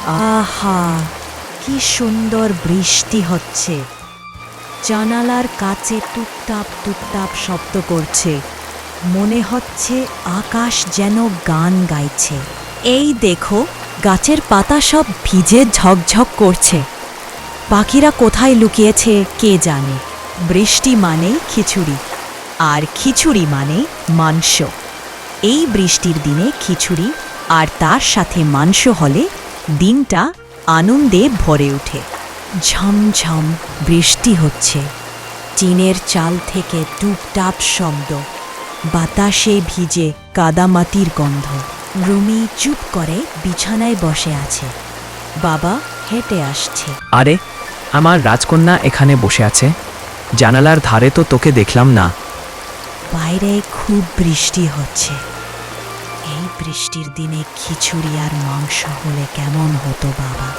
আহা, কি সুন্দর বৃষ্টি হচ্ছে। জানালার কাছে টুপটাপ টুপটাপ শব্দ করছে। মনে হচ্ছে আকাশ যেন গান গাইছে। এই দেখো, গাছের পাতা সব ভিজে ঝকঝক করছে। পাখিরা কোথায় লুকিয়েছে কে জানে। বৃষ্টি মানেই খিচুড়ি, আর খিচুড়ি মানে মাংস। এই বৃষ্টির দিনে খিচুড়ি আর তার সাথে মাংস হলে দিনটা আনন্দে ভরে ওঠে। ঝমঝম বৃষ্টি হচ্ছে, টিনের চাল থেকে টুপটাপ শব্দ, বাতাসে ভিজে কাদামাটির গন্ধ। রুমি চুপ করে বিছানায় বসে আছে। বাবা হেঁটে আসছে। আরে, আমার রাজকন্যা এখানে বসে আছে। জানালার ধারে তো তোকে দেখলাম না। বাইরে খুব বৃষ্টি হচ্ছে। এই বৃষ্টির দিনে খিচুড়ি আর মাংস হলে কেমন হতো বাবা?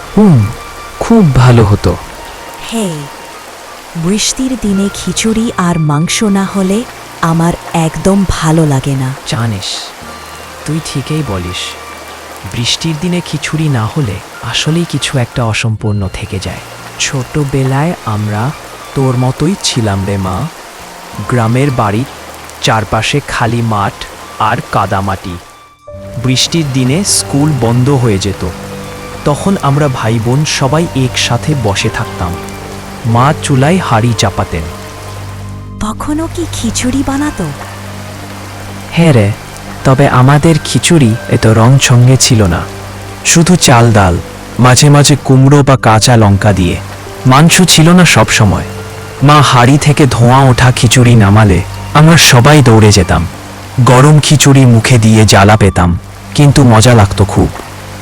খুব ভালো হতো। হে, বৃষ্টির দিনে খিচুড়ি আর মাংস না হলে আমার একদম ভালো লাগে না। জানিস, তুই ঠিকই বলিস। বৃষ্টির দিনে খিচুড়ি না হলে আসলেই কিছু একটা অসম্পূর্ণ থেকে যায়। ছোটবেলায় আমরা তোর মতোই ছিলাম রে মা। গ্রামের বাড়ির চারপাশে খালি মাঠ আর কাদামাটি। বৃষ্টির দিনে স্কুল বন্ধ হয়ে যেত। তখন আমরা ভাই বোন সবাই একসাথে বসে থাকতাম। মা চুলায় হাঁড়ি চাপাতেন। তখনও কি খিচুড়ি বানাতো? হ্যাঁ রে, তবে আমাদের খিচুড়ি এত রং সঙ্গে ছিল না। শুধু চাল ডাল, মাঝে মাঝে কুমড়ো বা কাঁচা লঙ্কা দিয়ে। মাংস ছিল না সব সময়। মা হাঁড়ি থেকে ধোঁয়া ওঠা খিচুড়ি নামালে আমরা সবাই দৌড়ে যেতাম। গরম খিচুড়ি মুখে দিয়ে জ্বালা পেতাম, কিন্তু মজা লাগতো খুব।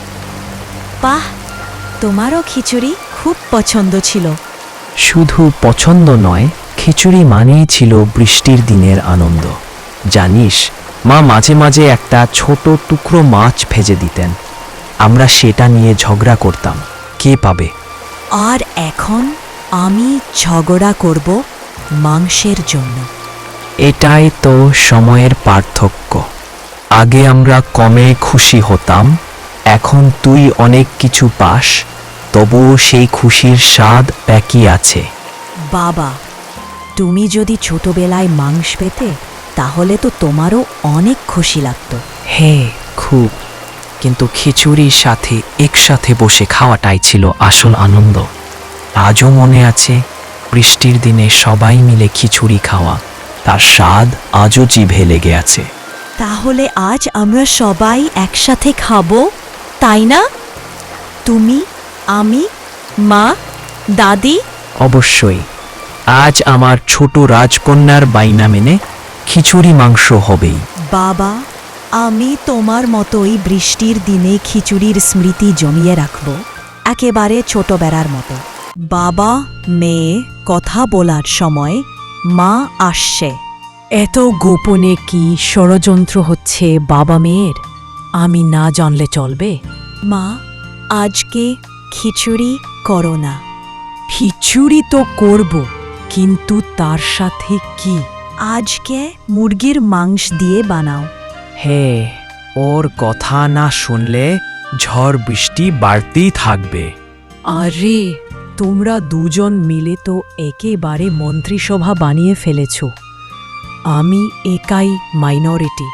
বাহ, তোমারও খিচুড়ি খুব পছন্দ ছিল। শুধু পছন্দ নয়, খিচুড়ি মানেই ছিল বৃষ্টির দিনের আনন্দ। জানিস, মা মাঝে মাঝে একটা ছোট টুকরো মাছ ভেজে দিতেন। আমরা সেটা নিয়ে ঝগড়া করতাম, কে পাবে। আর এখন আমি ঝগড়া করব মাংসের জন্য। এটাই তো সময়ের পার্থক্য। আগে আমরা কমে খুশি হতাম, এখন তুই অনেক কিছু পাস, তবুও সেই খুশির স্বাদ একই আছে। বাবা, তুমি যদি ছোটবেলায় মাংস পেতে তাহলে তো তোমারও অনেক খুশি লাগতো। হ্যাঁ, খুব। কিন্তু খিচুড়ির সাথে একসাথে বসে খাওয়াটাই ছিল আসল আনন্দ। আজও মনে আছে, বৃষ্টির দিনে সবাই মিলে খিচুড়ি খাওয়া, তার স্বাদ আজও জিভে লেগে আছে। তাহলে আজ আমরা সবাই একসাথে খাবো, তাই না? তুমি, আমি, মা, দাদি। অবশ্যই। আজ আমার ছোট রাজকন্যার বাইনা মেনে খিচুড়ি মাংস হবেই। বাবা, আমি তোমার মতোই বৃষ্টির দিনে খিচুড়ির স্মৃতি জমিয়ে রাখব, একেবারে ছোটবেলার মতো। বাবা মেয়ে কথা বলার সময় মা আসছে। এত গোপনে কি ষড়যন্ত্র হচ্ছে বাবা মেয়ের? আমি না জানলে চলবে? মা, আজকে খিচুড়ি করো না। খিচুড়ি তো করব, কিন্তু তার সাথে কি? আজকে মুরগির মাংস দিয়ে বানাও। হে, ওর কথা না শুনলে ঝড় বৃষ্টি বাড়তেই থাকবে। আরে, তোমরা দুজন মিলে তো একেবারে মন্ত্রিসভা বানিয়ে ফেলেছ। আমি একাই মাইনরিটি।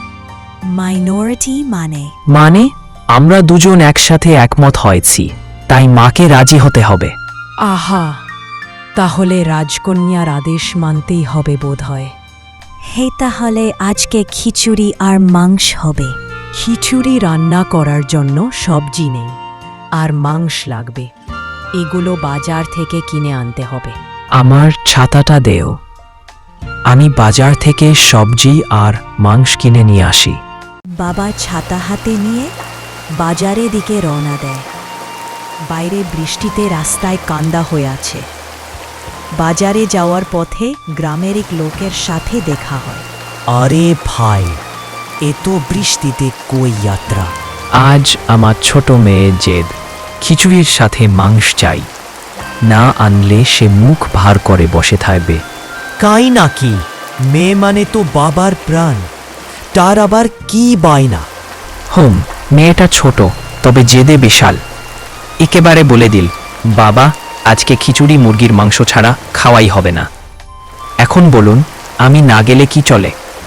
মাইনরিটি মানে? আমরা দুজন একসাথে একমত হয়েছি, তাই মাকে রাজি হতে হবে। আহা, তাহলে রাজকন্যার আদেশ মানতেই হবে বোধহয়। হে, তাহলে আজকে খিচুড়ি আর মাংস হবে। খিচুড়ি রান্না করার জন্য সবজি নেই, আর মাংস লাগবে। এগুলো বাজার থেকে কিনে আনতে হবে। আমার ছাতাটা দেও, আমি বাজার থেকে সবজি আর মাংস কিনে নিয়ে আসি। বাবা ছাতা হাতে নিয়ে বাজারের দিকে রওনা দেয়। বাইরে বৃষ্টিতে রাস্তায় কান্দা হয়ে আছে। বাজারে যাওয়ার পথে গ্রামের এক লোকের সাথে দেখা হয়। আরে ভাই, এত বৃষ্টিতে কই যাত্রা? আজ আমার ছোট মেয়ের জেদ, খিচুড়ির সাথে মাংস চাই। না আনলে সে মুখ ভার করে বসে থাকবে। কাই নাকি? মেয়ে মানে তো বাবার প্রাণ, তার আবার কি বায়না? মেয়েটা ছোট, তবে জেদে বিশাল। একেবারে বলে দিল, বাবা আজকে খিচুড়ি মুরগির মাংস ছাড়া খাওয়াই হবে না। এখন বলুন আমি না গেলে কি চলে?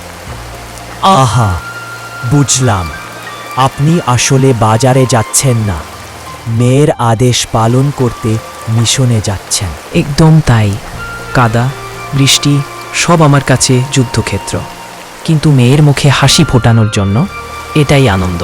আহা, বুঝলাম। আপনি আসলে বাজারে যাচ্ছেন না, মেয়ের আদেশ পালন করতে মিশনে যাচ্ছেন। একদম তাই। কাদা, বৃষ্টি সব আমার কাছে যুদ্ধক্ষেত্র, কিন্তু মেয়ের মুখে হাসি ফোটানোর জন্য এটাই আনন্দ।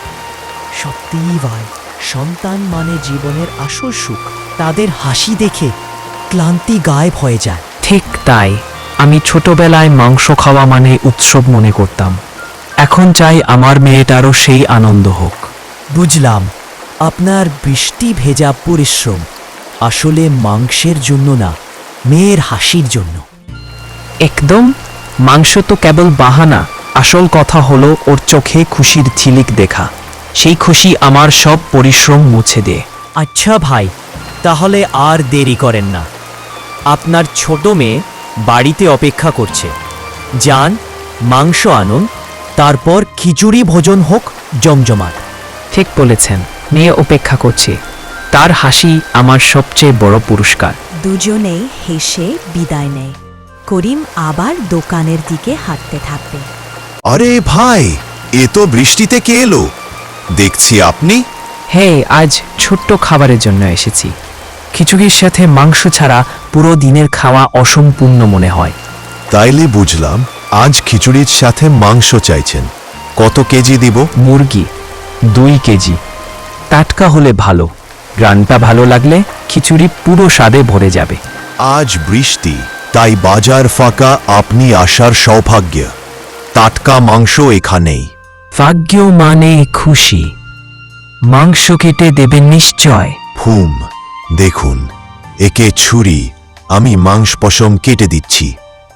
সত্যিই ভাই, সন্তান মানে জীবনের আসল সুখ। তাদের হাসি দেখে ক্লান্তি গায়েব হয়ে যায়। ঠিক তাই। আমি ছোটবেলায় মাংস খাওয়া মানে উৎসব মনে করতাম। এখন চাই আমার মেয়েটারও সেই আনন্দ হোক। বুঝলাম, আপনার বৃষ্টি ভেজা পরিশ্রম আসলে মাংসের জন্য না, মেয়ের হাসির জন্য। একদম। মাংস তো কেবল বাহানা, আসল কথা হলো ওর চোখে খুশির ঝিলিক দেখা। সেই খুশি আমার সব পরিশ্রম মুছে দেয়। আচ্ছা ভাই, তাহলে আর দেরি করেন না। আপনার ছোট মেয়ে বাড়িতে অপেক্ষা করছে। যান, মাংস আনুন, তারপর খিচুড়ি ভোজন হোক জমজমাট। ঠিক বলেছেন, মেয়ে অপেক্ষা করছে। তার হাসি আমার সবচেয়ে বড় পুরস্কার। দুজনেই হেসে বিদায় নেয়। করিম আবার দোকানের দিকে হাঁটতে থাকবে। আরে ভাই, এ তো বৃষ্টিতে কে এলো দেখছি আপনি? হে, আজ ছোট্ট খাবারের জন্য এসেছি। খিচুড়ির সাথে মাংস ছাড়া পুরো দিনের খাওয়া অসম্পূর্ণ মনে হয়। তাইলে বুঝলাম আজ খিচুড়ির সাথে মাংস চাইছেন। কত কেজি দিব? মুরগি 2 কেজি। টাটকা হলে ভালো, গ্রানটা ভালো লাগলে খিচুড়ি পুরো স্বাদে ভরে যাবে। আজ বৃষ্টি, তাই বাজার ফাঁকা, আপনি আসার সৌভাগ্য। টাটকা মাংস এখানেই। ভাগ্য মানে খুশি। মাংস কেটে দেবেন নিশ্চয়। হুম, দেখুন, একে ছুরি, আমি মাংস পশম কেটে দিচ্ছি।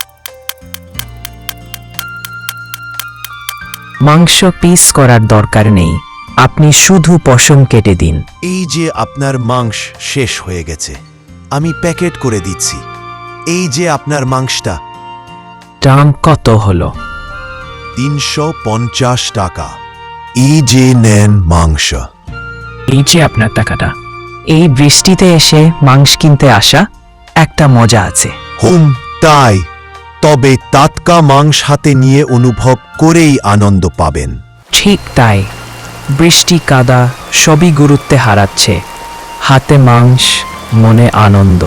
মাংস পিস করার দরকার নেই, আপনি শুধু পশম কেটে দিন। এই যে আপনার মাংস শেষ হয়ে গেছে, আমি প্যাকেট করে দিচ্ছি। এই যে আপনার মাংসটা। দাম কত হলো? 350 টাকা। এই যে নেন মাংস। এই যে আপনার টাকাটা। এই বৃষ্টিতে এসে মাংস কিনতে আসা একটা মজা আছে। হুম, তাই। তবে টাটকা মাংস হাতে নিয়ে অনুভব করেই আনন্দ পাবেন। ঠিক তাই। বৃষ্টি কাদা সবই গুরুত্বে হারাচ্ছে। হাতে মাংস, মনে আনন্দ।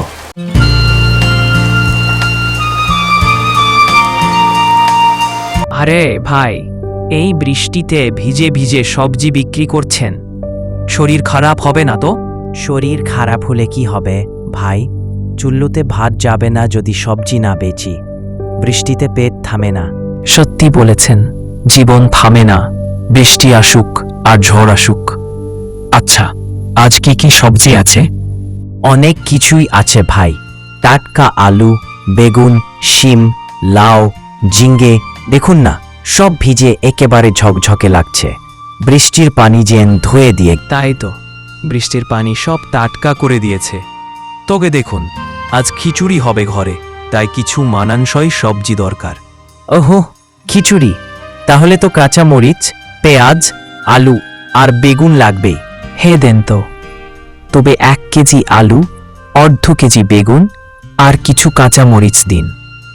আরে ভাই, এই বৃষ্টিতে ভিজে ভিজে সবজি বিক্রি করছেন, শরীর খারাপ হবে না তো? শরীর খারাপ হলে কি হবে ভাই? চুল্লুতে ভাত যাবে না যদি সবজি না বেচি। বৃষ্টিতে পেট থামে না। সত্যি বলেছেন, জীবন থামে না, বৃষ্টি আসুক আর ঝড় আসুক। আচ্ছা, আজ কি কি সবজি আছে? অনেক কিছুই আছে ভাই। টাটকা আলু, বেগুন, শিম, লাউ, ঝিঙ্গে, দেখুন না, সব ভিজে একেবারে ঝকঝকে লাগছে। বৃষ্টির পানি যেন ধুয়ে দিয়ে। তাই তো, বৃষ্টির পানি সব টাটকা করে দিয়েছে। তোকে দেখুন, আজ খিচুড়ি হবে ঘরে, তাই কিছু মানানসই সবজি দরকার। ওহো, খিচুড়ি! তাহলে তো কাঁচা মরিচ, পেঁয়াজ, আলু আর বেগুন লাগবে। হে দেন তো। তবে 1 কেজি আলু, অর্ধ কেজি বেগুন আর কিছু কাঁচা মরিচ দিন।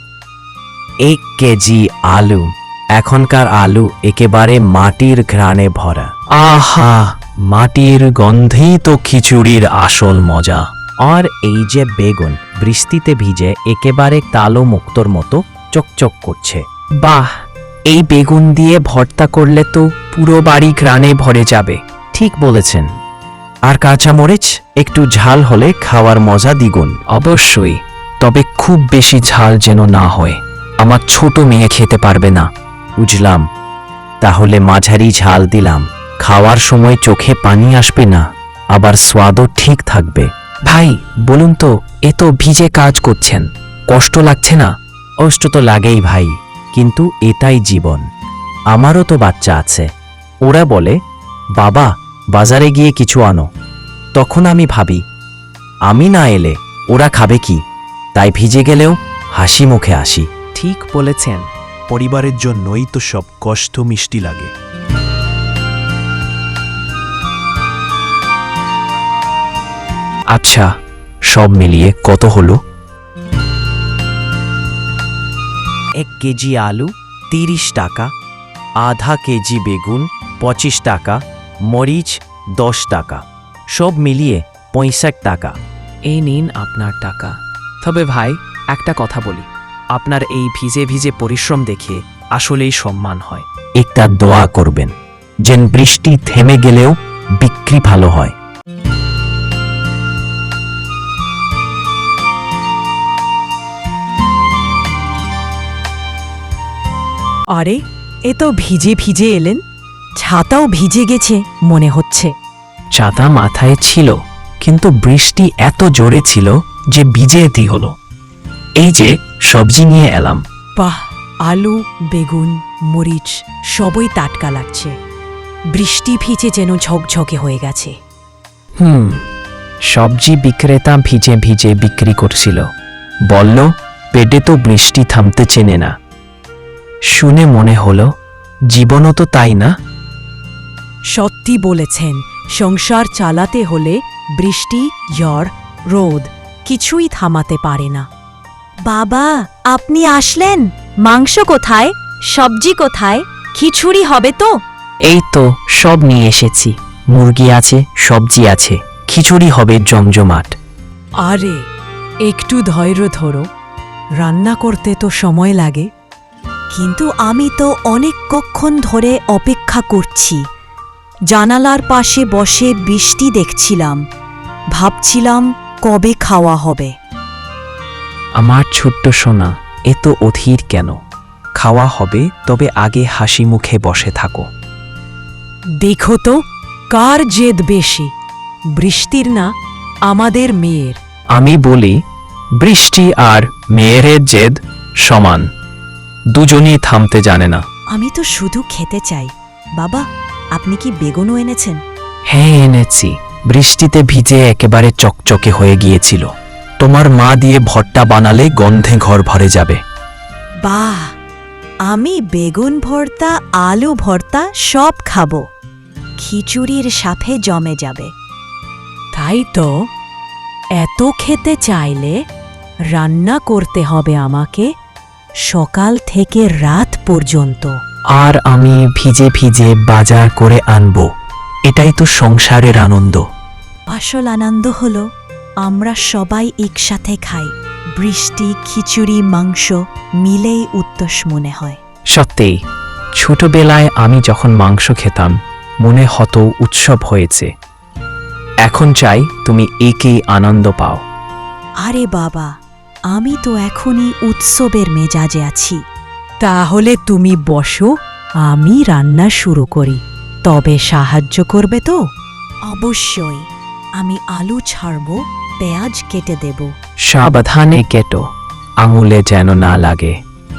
1 কেজি আলু। এখনকার আলু একেবারে মাটির ঘ্রাণে ভরা। আহা, মাটির গন্ধেই তো খিচুড়ির আসল মজা। আর এই যে বেগুন, বৃষ্টিতে ভিজে একেবারে কালো মুক্তোর মতো চকচক করছে। বাহ, এই বেগুন দিয়ে ভর্তা করলে তো পুরো বাড়ি ঘ্রাণে ভরে যাবে। ঠিক বলেছেন। আর কাঁচা মরিচ একটু ঝাল হলে খাওয়ার মজা দ্বিগুণ। অবশ্যই, তবে খুব বেশি ঝাল যেন না হয়, আমার ছোট মেয়ে খেতে পারবে না। বুঝলাম, তাহলে মাঝারি ঝাল দিলাম। খাওয়ার সময় চোখে পানি আসবে না, আবার স্বাদও ঠিক থাকবে। ভাই বলুন তো, এ তো ভিজে কাজ করছেন, কষ্ট লাগছে না? কষ্ট তো লাগেই ভাই, কিন্তু এটাই জীবন। আমারও তো বাচ্চা আছে। ওরা বলে, বাবা বাজারে গিয়ে কিছু আনো। তখন আমি ভাবি, আমি না এলে ওরা খাবে কি? তাই ভিজে গেলেও হাসি মুখে আসি। ঠিক বলেছেন। পরিবারের জন্যই তো সব কষ্ট মিষ্টি লাগে। আচ্ছা, সব মিলিয়ে কত হলো? 1 কেজি আলু 30 টাকা, আধা কেজি বেগুন 25 টাকা, মরিচ 10 টাকা, সব মিলিয়ে 65 টাকা। এই নিন আপনার টাকা। তবে ভাই, একটা কথা বলি, আপনার এই ভিজে ভিজে পরিশ্রম দেখে আসলেই সম্মান হয়। একটা দোয়া করবেন, যেন বৃষ্টি থেমে গেলেও বিক্রি ভালো হয়। আরে, এ তো ভিজে ভিজে এলেন, ছাতাও ভিজে গেছে মনে হচ্ছে। ছাতা মাথায় ছিল, কিন্তু বৃষ্টি এত জোরে ছিল যে ভিজেতেই হলো। এই যে সবজি নিয়ে এলাম। বাহ, আলু, বেগুন, মরিচ সবই টাটকা লাগছে। বৃষ্টি ভিজে যেন ঝকঝকে হয়ে গেছে। সবজি বিক্রেতা ভিজে ভিজে বিক্রি করছিল, বলল পেটে তো বৃষ্টি থামতে চেনে না। শুনে মনে হলো জীবনও তো তাই না? সত্যি বলেছেন, সংসার চালাতে হলে বৃষ্টি, ঝড়, রোদ কিছুই থামাতে পারে না। বাবা, আপনি আসলেন? মাংস কোথায়? সবজি কোথায়? খিচুড়ি হবে তো? এই তো সব নিয়ে এসেছি, মুরগি আছে, সবজি আছে, খিচুড়ি হবে জমজমাট। আরে, একটু ধৈর্য ধরো, রান্না করতে তো সময় লাগে। কিন্তু আমি তো অনেকক্ষণ ধরে অপেক্ষা করছি। জানালার পাশে বসে বৃষ্টি দেখছিলাম, ভাবছিলাম কবে খাওয়া হবে। আমার ছোট্ট সোনা, এত অধীর কেন? খাওয়া হবে, তবে আগে হাসি মুখে বসে থাকো। দেখো তো কার জেদ বেশি, বৃষ্টির না আমাদের মেয়ের? আমি বলি, বৃষ্টি আর মেয়ের জেদ সমান, দুজনেই থামতে জানে না। আমি তো শুধু খেতে চাই। বাবা, আপনি কি বেগুনও এনেছেন? হ্যাঁ এনেছি, বৃষ্টিতে ভিজে একেবারে চকচকে হয়ে গিয়েছিল। তোমার মা দিয়ে ভর্তা বানালে গন্ধে ঘর ভরে যাবে। বাহ, আমি বেগুন ভর্তা, আলু ভর্তা সব খাবো, খিচুড়ির সাথে জমে যাবে। তাই তো, এত খেতে চাইলে রান্না করতে হবে আমাকে সকাল থেকে রাত পর্যন্ত। আর আমি ভিজে ভিজে বাজার করে আনবো, এটাই তো সংসারের আনন্দ। আসল আনন্দ হলো আমরা সবাই একসাথে খাই। বৃষ্টি, খিচুড়ি, মাংস মিলেই উত্তস মনে হয়। সত্যি, ছোটবেলায় আমি যখন মাংস খেতাম মনে হতো উৎসব হয়েছে। এখন চাই তুমি একেই আনন্দ পাও। আরে বাবা, আমি তো এখনই উৎসবের মেজাজে আছি। তাহলে তুমি বসো, আমি রান্না শুরু করি। তবে সাহায্য করবে তো? অবশ্যই, আমি আলু ছাড়ব, পেঁয়াজ কেটে দেব। সাবধানে কেটো, আঙুলে যেন না লাগে।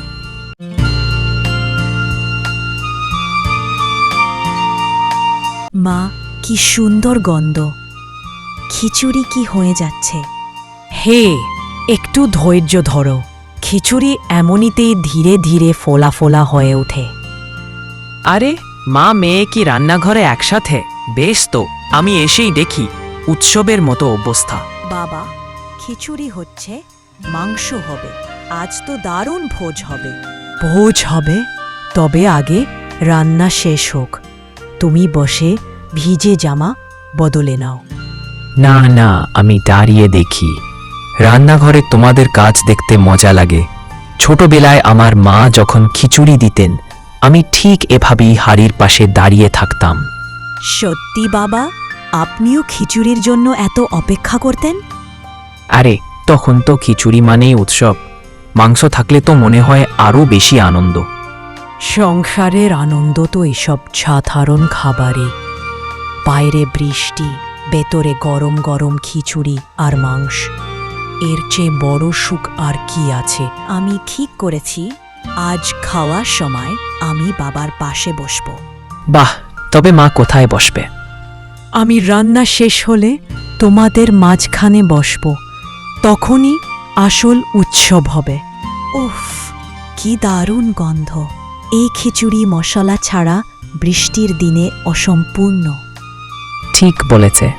মা, কি সুন্দর গন্ধ! খিচুড়ি কি হয়ে যাচ্ছে? হে, একটু ধৈর্য ধরো, খিচুড়ি এমনিতেই ধীরে ধীরে ফোলা ফোলা হয়ে ওঠে। আরে, মা মেয়ে কি রান্নাঘরে একসাথে? বেশ তো, আমি এসেই দেখি উৎসবের মতো অবস্থা। বাবা, খিচুড়ি হচ্ছে, মাংস হবে, আজ তো দারুণ ভোজ হবে। ভোজ হবে? তবে আগে রান্না শেষ হোক। তুমি বসে ভিজে জামা বদলে নাও। না না, আমি দাঁড়িয়ে দেখি। রান্নাঘরে তোমাদের কাজ দেখতে মজা লাগে। ছোটবেলায় আমার মা যখন খিচুড়ি দিতেন, আমি ঠিক এভাবেই হাড়ির পাশে দাঁড়িয়ে থাকতাম। সত্যি বাবা, আপনিও খিচুড়ির জন্য এত অপেক্ষা করতেন? আরে, তখন তো খিচুড়ি মানেই উৎসব, মাংস থাকলে তো মনে হয় আরও বেশি আনন্দ। সংসারের আনন্দ তো এসব সাধারণ খাবারে। বাইরে বৃষ্টি, ভেতরে গরম গরম খিচুড়ি আর মাংস, এর চেয়ে বড় সুখ আর কি আছে? আমি ঠিক করেছি, আজ খাওয়ার সময় আমি বাবার পাশে বসব। বাহ, তবে মা কোথায় বসবে? আমি রান্না শেষ হলে তোমাদের মাঝখানে বসব, তখনই আসল উৎসব হবে। উফ, কি দারুণ গন্ধ! এই খিচুড়ি মশলা ছাড়া বৃষ্টির দিনে অসম্পূর্ণ। ঠিক বলেছে,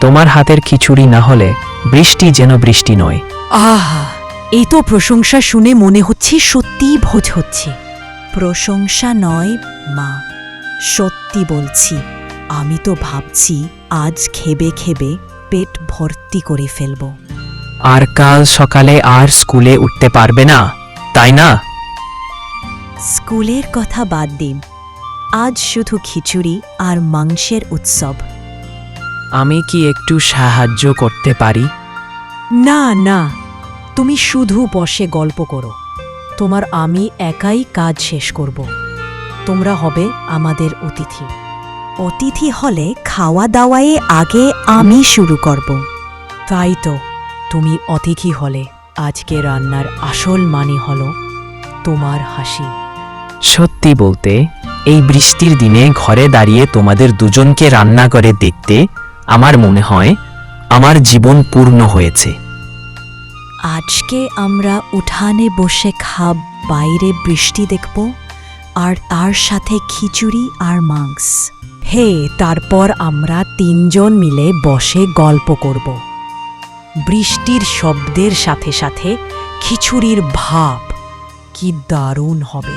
তোমার হাতের খিচুড়ি না হলে বৃষ্টি যেন বৃষ্টি নয়। আহা, এই তো প্রশংসা শুনে মনে হচ্ছে সত্যিই ভোজ হচ্ছে। প্রশংসা নয় মা, সত্যি বলছি। আমি তো ভাবছি আজ খেবে খেবে পেট ভর্তি করে ফেলব। আর কাল সকালে আর স্কুলে উঠতে পারবে না, তাই না? স্কুলের কথা বাদ দিন, আজ শুধু খিচুড়ি আর মাংসের উৎসব। আমি কি একটু সাহায্য করতে পারি? না না, তুমি শুধু বসে গল্প করো। তোমার আমি একাই কাজ শেষ করব। তোমরা হবে আমাদের অতিথি। অতিথি হলে খাওয়া দাওয়ায় আগে আমি শুরু করব। তাই তো, তুমি অতিথি হলে আজকে রান্নার আসল মানে হলো তোমার হাসি। সত্যি বলতে, এই বৃষ্টির দিনে ঘরে দাঁড়িয়ে তোমাদের দুজনকে রান্না করে দেখতে আমার মনে হয় আমার জীবন পূর্ণ হয়েছে। আজকে আমরা উঠানে বসে খাব, বাইরে বৃষ্টি দেখব, আর তার সাথে খিচুড়ি আর মাংস। হে, তারপর আমরা তিনজন মিলে বসে গল্প করব। বৃষ্টির শব্দের সাথে সাথে খিচুড়ির ভাব, কি দারুণ হবে।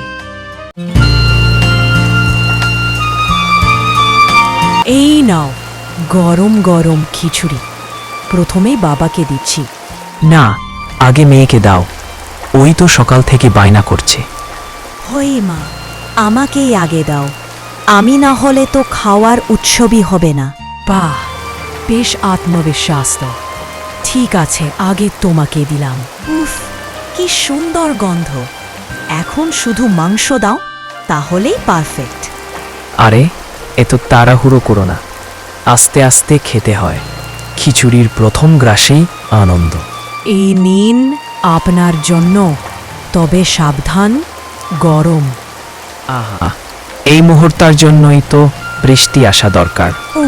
এই নাও গরম গরম খিচুড়ি। প্রথমে বাবাকে দিচ্ছি। না, আগে মেয়েকে দাও, ওই তো সকাল থেকে বায়না করছে। হই মা, আমাকেই আগে দাও। আমি না হলে তো খাওয়ার উৎসবই হবে না। বাহ, বেশ আত্মবিশ্বাস তো। ঠিক আছে, আগে তোমাকে দিলাম। উফ, কি সুন্দর গন্ধ। এখন শুধু মাংস দাও, তাহলেই পারফেক্ট। আরে, এত তাড়াহুড়ো করো না, আস্তে আস্তে খেতে হয়। খিচুড়ির প্রথম গ্রাসেই আনন্দ। এই নিন আপনার জন্য, তবে সাবধান, গরম। আহা, এই মুহূর্তের জন্যই তো বৃষ্টি আসা দরকার।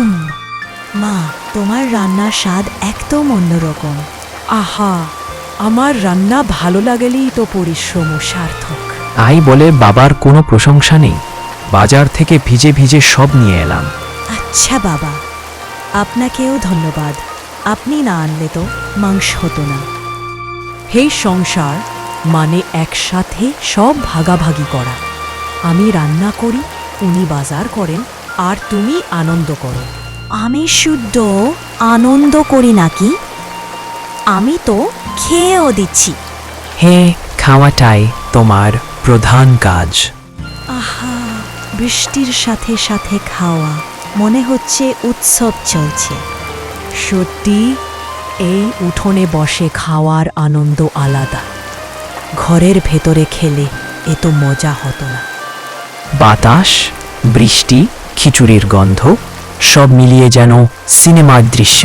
মা, তোমার রান্নার স্বাদ একদম অন্যরকম। আহা, আমার রান্না ভালো লাগলেই তো পরিশ্রম সার্থক। আই বলে বাবার কোনো প্রশংসা নেই। বাজার থেকে ভিজে ভিজে সব নিয়ে এলাম। আচ্ছা বাবা, আপনাকেও ধন্যবাদ। আপনি না আনলে তো মাংস হতো না। হে সংসার মানে একসাথে সব ভাগাভাগি করা। আমি রান্না করি, উনি বাজার করেন, আর তুমি আনন্দ করো। আমি শুদ্ধ আনন্দ করি নাকি? আমি তো খেয়েও দিচ্ছি। হে, খাওয়াটাই তোমার প্রধান কাজ। আহা, বৃষ্টির সাথে সাথে খাওয়া, মনে হচ্ছে উৎসব চলছে। সত্যি, এই উঠোনে বসে খাওয়ার আনন্দ আলাদা। ঘরের ভেতরে খেলে এত মজা হতো না। বাতাস, বৃষ্টি, খিচুড়ির গন্ধ সব মিলিয়ে যেন সিনেমার দৃশ্য।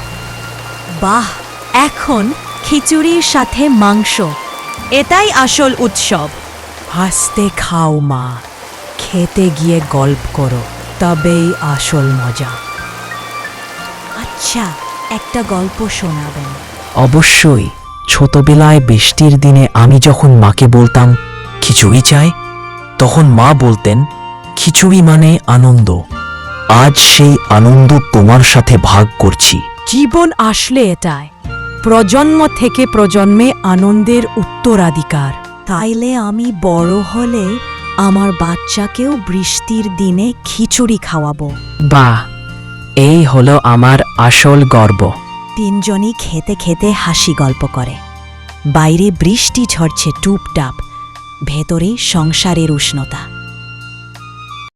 বাহ, এখন খিচুড়ির সাথে মাংস, এটাই আসল উৎসব। হাসতে খাও মা, খেতে গিয়ে গল্প করো, তবেই আসল মজা। আচ্ছা, একটা গল্প শোনাবেন? অবশ্যই। ছোটবেলায় বৃষ্টির দিনে আমি যখন মাকে বলতাম খিচুড়ি চাই, তখন মা বলতেন খিচুড়ি মানে আনন্দ। আজ সেই আনন্দ তোমার সাথে ভাগ করছি। জীবন আসলে এটাই, প্রজন্ম থেকে প্রজন্মে আনন্দের উত্তরাধিকার। তাইলে আমি বড় হলে আমার বাচ্চাকেও বৃষ্টির দিনে খিচুড়ি খাওয়াবো। বাহ, এই হলো আমার আসল গর্ব। তিনজনই খেতে খেতে হাসি গল্প করে। বাইরে বৃষ্টি ঝরছে টুপটাপ, ভেতরে সংসারের উষ্ণতা।